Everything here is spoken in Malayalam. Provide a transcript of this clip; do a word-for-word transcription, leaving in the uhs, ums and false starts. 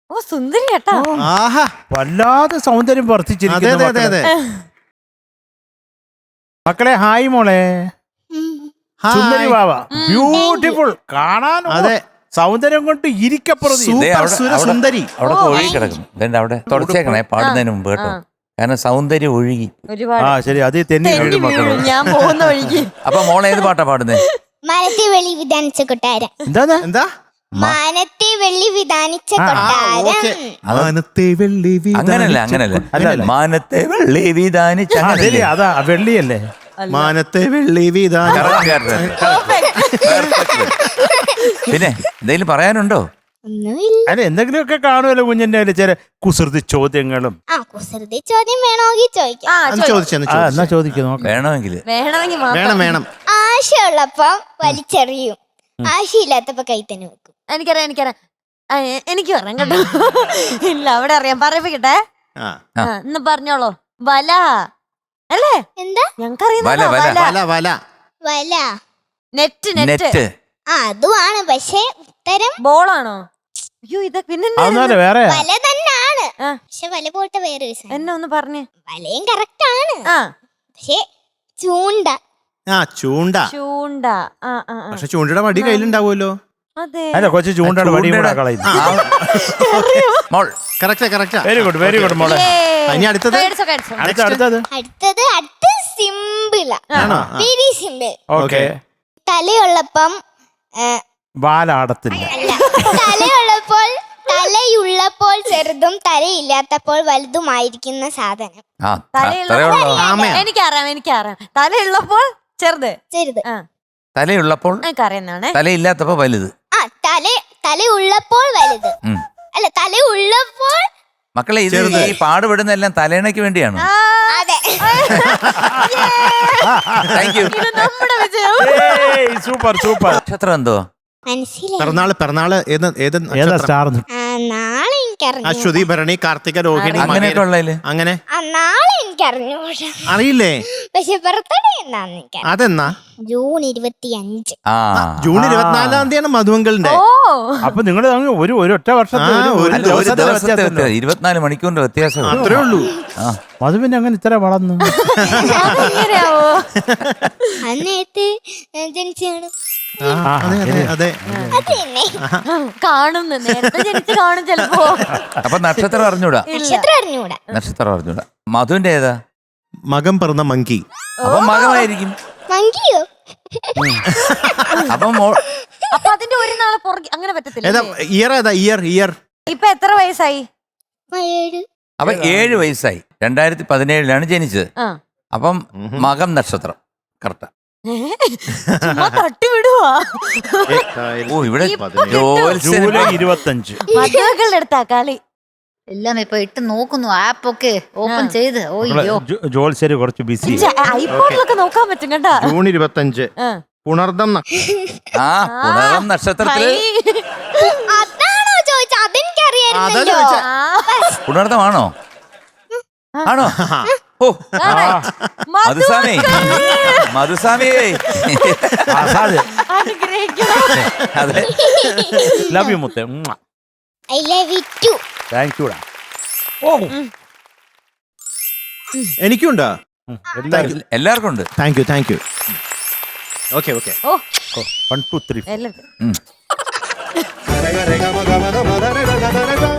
ഓ സുന്ദരി കേട്ടാ. ആഹാ വല്ലാതെ സൗന്ദര്യം അതെ വർദ്ധിച്ചിരിക്കുന്നു അതെ അതെ മക്കളെ. മക്കളെ ഹായ് മോളെ. സുന്ദരി ഹായ്. വാവ ബ്യൂട്ടിഫുൾ കാണാൻ. അതെ സൗന്ദര്യം കൊണ്ട് ഇരിക്കപ്പുറത്ത് ദേ സൂപ്പർ അവിടെ- സുര അവിടെ- സുന്ദരി. അവിടെ ഓ. ഒഴുകി കിടക്കുന്നു. ഇതെന്താ അവിടെ തുടച്ചേക്കണേ പാടുന്നതിന് മുമ്പ് കേട്ടോ. ആ. കാരണം സൗന്ദര്യം ഒഴുകി. ഒരുപാട് ആ ശരി അത് തെന്നി തെന്നി വീഴും മക്കളെ. വീഴും ഞാൻ പോകുന്ന വഴിക്ക്. അപ്പൊ മോളെ ഏത് പാട്ടാ പാടുന്നേ? മാനത്തെ വെള്ളി വിധാനിച്ച കൊട്ടാരം. എന്താ എന്താ മാനത്തെ വെള്ളി വിധാനിച്ച ആ, കൊട്ടാരം. ഓക്കെ അത് മാനത്തെ വെള്ളി അങ്ങനല്ല വിധാനിച്ച അങ്ങനല്ല അല്ലല്ല. മാനത്തെ വെള്ളി വിധാനിച്ച ആ ശരി അതാ വെള്ളിയല്ലേ. മാനത്തെ വെള്ളി വിധാന. പിന്നെ എന്തെങ്കിലും പറയാനുണ്ടോ? ഒന്നുമില്ല. അല്ല എന്തെങ്കിലുമൊക്കെ കാണുമല്ലോ കുഞ്ഞിന്റെ കയ്യില് ചില കുസൃതി ചോദ്യങ്ങളും. ആ കുസൃതി ചോദ്യം വേണമെങ്കിൽ ചോദിക്കാം. ആ അന്ന് ചോദി- ചോദിച്ചെന്ന് ആ എന്നാ ചോദിച്ചു ചോദിക്കുന്നു നോക്കാം. വേണമെങ്കിൽ വേണമെങ്കിൽ മാത്രം. വേണം വേണം. ആശയുള്ളപ്പം വലിച്ചെറിയും, ആശയില്ലാത്തപ്പോ കൈ തന്നെ വെക്കും. എനിക്കറിയാം എനിക്കറിയാം. ആ, എ- എനിക്ക് പറയാം കേട്ടോ. ഇല്ല അവിടെ അറിയാം പറയിപ്പിക്കട്ടെ. ആ ആ, ഇന്ന് പറഞ്ഞോളൂ. വല അല്ലേ? എന്താ ഞങ്ങൾക്കറിയാം. വല, വല. വല വല വല? Net net net. ആ അതുമാണ്, പക്ഷെ ഉത്തരം ബോളാണോ? അയ്യോ ഇത് പിന്നെ അതൊന്നുമല്ല വേറെ. വല തന്നെയാണ്. ആ. പക്ഷെ വല പോട്ടെ, വേറെ ഒരു സാധനം. എന്നെ ഒന്ന് പറഞ്ഞേ. വലയും കറക്റ്റ് ആണ്, ആ പക്ഷെ ചൂണ്ട. ആ ചൂണ്ട. ചൂണ്ട. ആ ആ ആ. പക്ഷെ ചൂണ്ടയുടെ വടി കയ്യിലുണ്ടാവുമല്ലോ. അതെ. അല്ല കൊച്ചു ചൂണ്ടയുടെ വടി കൂടെ കളയുന്നു. മോൾ കറക്റ്റാ കറക്റ്റാ. വെരി ഗുഡ് വെരി ഗുഡ് മോളെ. ഇനി അടുത്തത് കടിച്ചോ, കടിച്ചോ. അടുത്ത അടുത്തത് അടുത്തത് അടുത്ത സിമ്പിളാ, ആണോ? Very simple. ഓക്കെ. തലയുള്ളപ്പം ഏ, വാലാടത്തില്ല. അല്ല, തലയുള്ളപ്പോൾ തലയുള്ളപ്പോൾ ചെറുതും തലയില്ലാത്തപ്പോൾ വലുതുമായിരിക്കുന്ന സാധനം. ആ തലയുള്ള അത്രേ ഉള്ളോ? ആമയാ. എനിക്കറിയാം എനിക്കറിയാം. തലയുള്ളപ്പോൾ ചെറുത്. ചെറുത്. ആ തലയുള്ളപ്പോൾ എനിക്കറിയുന്നതാണേ. തലയില്ലാത്തപ്പോ വലുത്. ആ തല തലയുള്ളപ്പോൾ വലുത്. ഉം. അല്ല, തലയുള്ളപ്പോൾ. മക്കളെ ഇത് ചെറുത്. ഈ പാടുപെടുന്ന എല്ലാം തലേണയ്ക്ക് വേണ്ടിയാണ്. ആ, അതെ. Thank you. ഇത് നമ്മുടെ വിജയം. Super super. നക്ഷത്രം എന്തോ? മനസ്സിലായി. പിറന്നാള് പിറന്നാള് ഏത് ഏത് ഏതാ നക്ഷത്രം? സ്റ്റാർ? ആ നാളെ എനിക്കറിഞ്ഞു. അശ്വതി ഭരണി കാർത്തിക രോഹിണി അങ്ങനെയൊക്കെ മകേര- ഉള്ളതില് അങ്ങനെ ആ നാളെ എനിക്കറിഞ്ഞൂടാ, അറിയില്ലേ? പക്ഷെ ബർത്ത്ഡേ എന്നാന്ന് എനിക്കറിയാം. അതെന്നാ? ജൂൺ ഇരുപത്തി അഞ്ച്. ആ ജൂൺ ഇരുപത്തിനാലാം തീയതിയാണ് മധുവങ്കളുടെ. ഓ അപ്പൊ നിങ്ങൾ ഒരു ഒരു ഒറ്റ വർഷത്തെ ആ, ഒരു- ഒരു ഒരു അല്ല, ഒരു ദിവസത്തെ ദിവസത്തെ വ്യത്യാസമല്ലേ? വ്യത്യാസം. ഇരുപത്തിനാല് മണിക്കൂറിന്റെ വ്യത്യാസം. അത്രേ ഉള്ളൂ. അത് പിന്നെ അങ്ങനെ ഇത്ര വളർന്നു. അതെങ്ങനെയാവോ? അന്നേത്ത് ജനിച്ചാണ്. ആ, അതെ അതെ അതെ. അത് തന്നെ. കാണുന്നു നേരത്തെ ജനിച്ച് കാണും ചിലപ്പോ. അപ്പൊ നക്ഷത്രം അറിഞ്ഞൂടാ. നക്ഷത്രം അറിഞ്ഞൂടാ. നക്ഷത്രം അറിഞ്ഞൂടാ. മധുവിന്റെ ഏതാ? മകം പിറന്ന മങ്കി. അപ്പൊ മകമായിരിക്കും. മങ്കിയോ? അപ്പൊ മോൾ അപ്പൊ അതിന്റെ ഒരു നാളെ പുറകെ അങ്ങനെ പറ്റത്തില്ല. ഏതാ ഇയർ? ഏതാ ഇയർ? ഇയർ ഇപ്പൊ എത്ര വയസ്സായി? ഏഴ്. അപ്പൊ ഏഴ് വയസ്സായി. രണ്ടായിരത്തി പതിനേഴിലാണ് ജനിച്ചത്. ആ അപ്പം മകം നക്ഷത്രം കറക്റ്റാ. ചുമ്മാ തട്ടിവിടുവാ. ഓ ഇവിടെ ഇപ്പൊ ജോത്സ്യന് ജൂലൈ ഇരുപത്തഞ്ച്. മധുക്കളുടെ അടുത്താ കളി. എല്ലാം ഇപ്പൊ ഇട്ട് നോക്കുന്നു, ആപ്പൊക്കെ ഓപ്പൺ ചെയ്ത്. മക്കളെ, ഓയ്യോ ജോ- ജോത്സ്യര് കുറച്ച് ബിസി. ഐഫോണിലൊക്കെ നോക്കാൻ പറ്റും കേട്ടാ. ജൂൺ ഇരുപത്തഞ്ച് ആ. പുണർദം ന- ആ പുണരം നക്ഷത്രത്തില്. അതാണോ ചോദിച്ചത്? അതാ അതെനിക്കറിയായിരുന്നല്ലോ. ചോദിച്ചേ. ആ, പുണർദമാണോ? ആണോ? ഓ കാണാൻ. മധുസ്വാമി മധുസ്വാമി അനുഗ്രഹിക്കണം. അതെ. ലവ് യു മുത്തേ. I love you too. Thank you. ഓ എനിക്കുണ്ടോ? എല്ലാവർക്കും ഉണ്ട്. Thank you thank you. Okay okay. ഓ വൺ ടു ത്രീ. എല്ലാവർക്കും ഉം. രേഖ രേഖ മഗ മഗ മദ രേഖ ഗ ഗ രേഖ